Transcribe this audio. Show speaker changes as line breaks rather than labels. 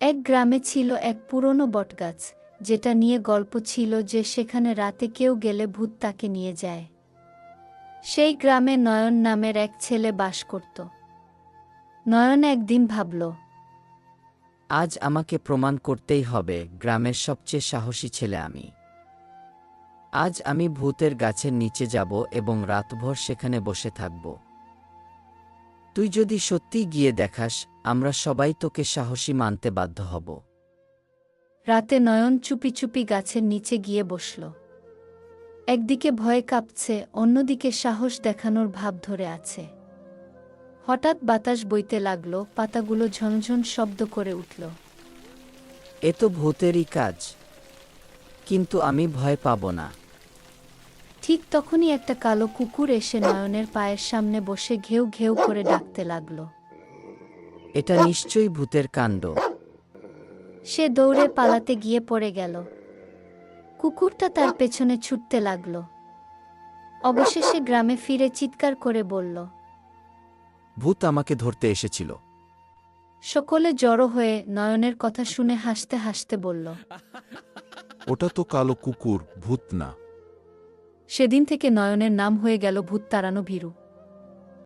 এক গ্রামে ছিল এক পুরনো বটগাছ, যেটা নিয়ে গল্প ছিল যে সেখানে রাতে কেউ গেলে ভূত তাকে নিয়ে যায়। সেই গ্রামে নয়ন নামের এক ছেলে বাস করত। নয়ন একদিন ভাবল,
আজ আমাকে প্রমাণ করতেই হবে গ্রামের সবচেয়ে সাহসী ছেলে আমি। আজ আমি ভূতের গাছের নিচে যাব এবং রাতভর সেখানে বসে থাকব। তুই যদি সত্যিই গিয়ে দেখাস, আমরা সবাই তোকে সাহসী মানতে বাধ্য হব।
রাতে নয়ন চুপি চুপি গাছের নিচে গিয়ে বসল। একদিকে ভয়ে কাঁপছে, অন্যদিকে সাহস দেখানোর ভাব ধরে আছে। হঠাৎ বাতাস বইতে লাগল, পাতাগুলো ঝনঝন শব্দ করে উঠল।
এ তো ভূতেরই কাজ, কিন্তু আমি ভয় পাব না।
ঠিক তখনই একটা কালো কুকুর এসে নয়নের পায়ের সামনে বসে ঘেউ ঘেউ করে ডাকতে লাগল।
এটা নিশ্চয়ই ভূতের কাণ্ড।
সে দৌড়ে পালাতে গিয়ে পড়ে গেল। কুকুরটা তার পেছনে ছুটতে লাগল। অবশেষে গ্রামে ফিরে চিৎকার করে বলল,
ভূত আমাকে ধরতে এসেছিল।
সকলে জড়ো হয়ে নয়নের কথা শুনে হাসতে হাসতে বলল,
ওটা তো কালো কুকুর, ভূত না।
সেদিন থেকে নয়নের নাম হয়ে গেল ভূত তাড়ানো ভীরু।